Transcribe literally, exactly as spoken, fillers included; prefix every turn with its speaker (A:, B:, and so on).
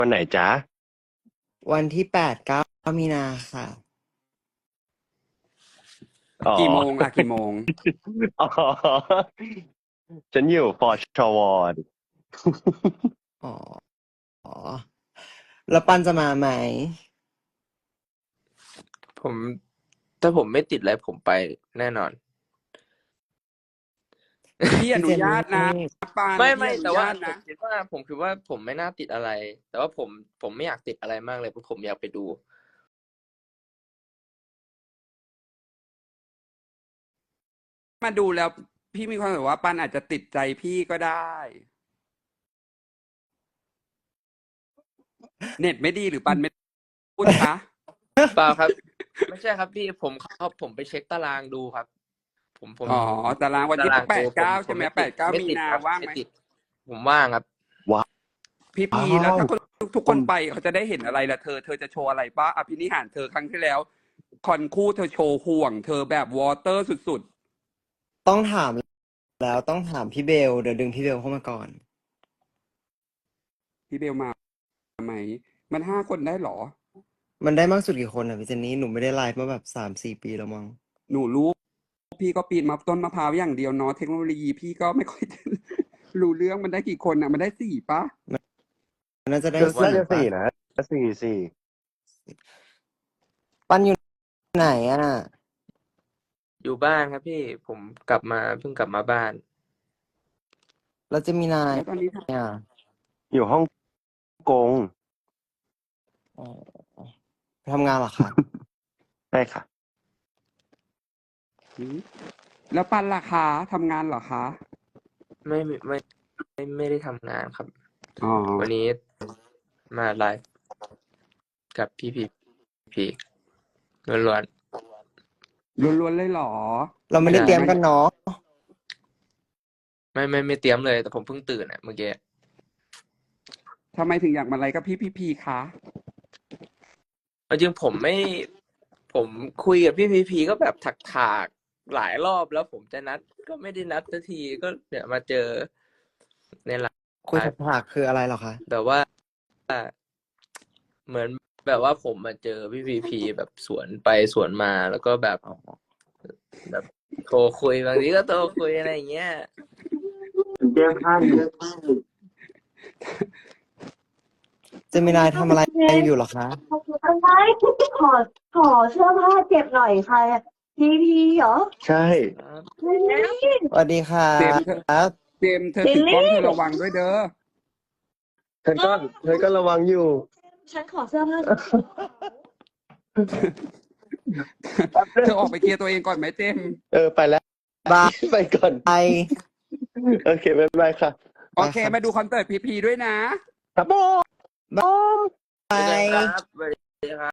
A: วันไหนจ๊ะ
B: วันที่แปดเก้ามีนาค่ะ
A: อ๋อ
C: กี่โมงล่ะกี่โมง
A: อ๋อฉันอยู่ปชวดิ
B: อ๋ออ๋อ แล้วปันจะมาไหม
D: ผมถ้าผมไม่ติดอะไรผมไปแน่นอน
C: พี่อนุญาตนะปาน
D: ไม่
C: พี่
D: ไม่
C: อนุ
D: แต่ว่า
C: ญาต
D: ผม
C: นะ
D: คิดว่าผมคิดว่าผมไม่น่าติดอะไร แต่ว่าผมผมไม่อยากติดอะไรมากเลยเพราะผมอยากไปดู
C: มาดูแล้วพี่มีความรู้สึกว่าปันอาจจะติดใจพี่ก็ได้ เน็ตไม่ดีหรือปันไม่พูดคะ
D: เปล่าครับ ไม่ใช่ครับพี่ผมเขาผมไปเช็คตารางดูครับ ผมผม
C: อ๋อตารางวันที่
D: ตาราง
C: แปดเก้า
D: ผม
C: ใช่ไหม
D: ผ
C: แปดเก้า
D: ไติ
C: มี
D: ติด
C: นา
D: ครับ
C: ว่างไหม
D: ติดผมว่างครับ
C: พี่พี
A: ว้าว
C: แล้วถ้าคนทุกคนไปเขาจะได้เห็นอะไรล่ะเธอ เธอจะโชว์อะไรป้าอภินิหารเธอครั้งที่แล้ว คอนคู่เธอโชว์ห่วง เธอแบบวอเตอร์สุด
B: ต้องถามแล้วต้องถามพี่เบล เดี๋ยวดึงพี่เบลเข้ามาก่อน
C: ๆ พี่เบลมาไหม มันห้าคนได้เหรอ
B: มันได้มากสุดกี่คนอ่ะพี่เจนนี่ หนูไม่ได้ไลฟ์มาแบบสามสี่ปีแล้วมั้ง
C: หนูรู้ พี่ก็ปีนมาต้นมะพร้าวอย่างเดียวเนาะเทคโนโลยีพี่ก็ไม่ค่อยจะ รู้เรื่องมันได้กี่คนอ่ะ มันได้สี่ปะ
B: น่าจะได้
A: น่า
B: สี่
A: จะ
B: ปะ
A: สี่นะสี่สี่
B: ปันอยู่ไหนอ่ะ
D: อยู่บ้านครับพี่ผมกลับมาเพิ่งกลับมาบ้าน
B: แล้วจะมีนาย
C: แล้วตอนนี้ท
B: อ่ะ
A: อยู่ฮ่องกง
B: อ๋อไปทำงานเหรอคะ
A: ใช่ค่ะ
C: ำหืมแล้วปันล่ะคะทำงานเหรอคะ
D: ไม่ไม่ไม่ไม่ไม่ได้ทำงานครับ
C: อ๋อ
D: วันนี้มาไลฟ์กับพี่พีพีล้วน
C: ล้วนๆเลยเหรอ
B: เราไม่ได้เตรียมกันเนาะ
D: ๆไม่ไม่ไม่เตรียมเลย แต่ผมเพิ่งตื่นอ่ะเมื่อกี้
C: ทำไมถึงอยากมาไลฟ์กับพี่พีพีคะ
D: เอาจริงผมไม่ ผมคุยกับพี่พีพีก็แบบถักถากๆหลายรอบแล้วผมจะนัด ก็ไม่ได้นัดสักทีก็เนี่ยมาเจอในไล
B: คุย
D: ฟ์
B: ถักๆคืออะไรเหรอคะ
D: แบบว่า เหมือนแบบว่าผมมาเจอพี่พีพีแบบสวนไปสวนมาแล้วก็แบบ
B: อ๋อ
D: แบบโทรคุยบางทีก็โทรคุยอะไรอย่างเงี้ย
A: แก้ผ้าอยู่
B: เจมินายทำอะไรอยู่เหรอคะ
E: ใช่ขอขอเสื้อผ้าเจ็บหน่อยค่ะพีพีเหรอ
A: ใช่
E: ลิลลี่
B: สวัสดีครั
C: เจมส์เธอบ เจมส์เธอถือกล้องเธอระวังด้วยเด้อ
A: เธอก็เธอก็ระวังอยู่
E: ฉันขอเสื้อผ้า
C: เธอออกไปเคลียร์ตัวเองก่อนไหมเจมส์
A: เออไปแล้ว
B: บาย
A: ไปก่อน
B: ไป
A: โอเคบ๊ายบายค่ะ
C: โอเค มาดูคอนเสิร์ตพีพีด้วยนะ
A: ครับผม
B: บาย
D: เจอกันครับสวัสดีครับ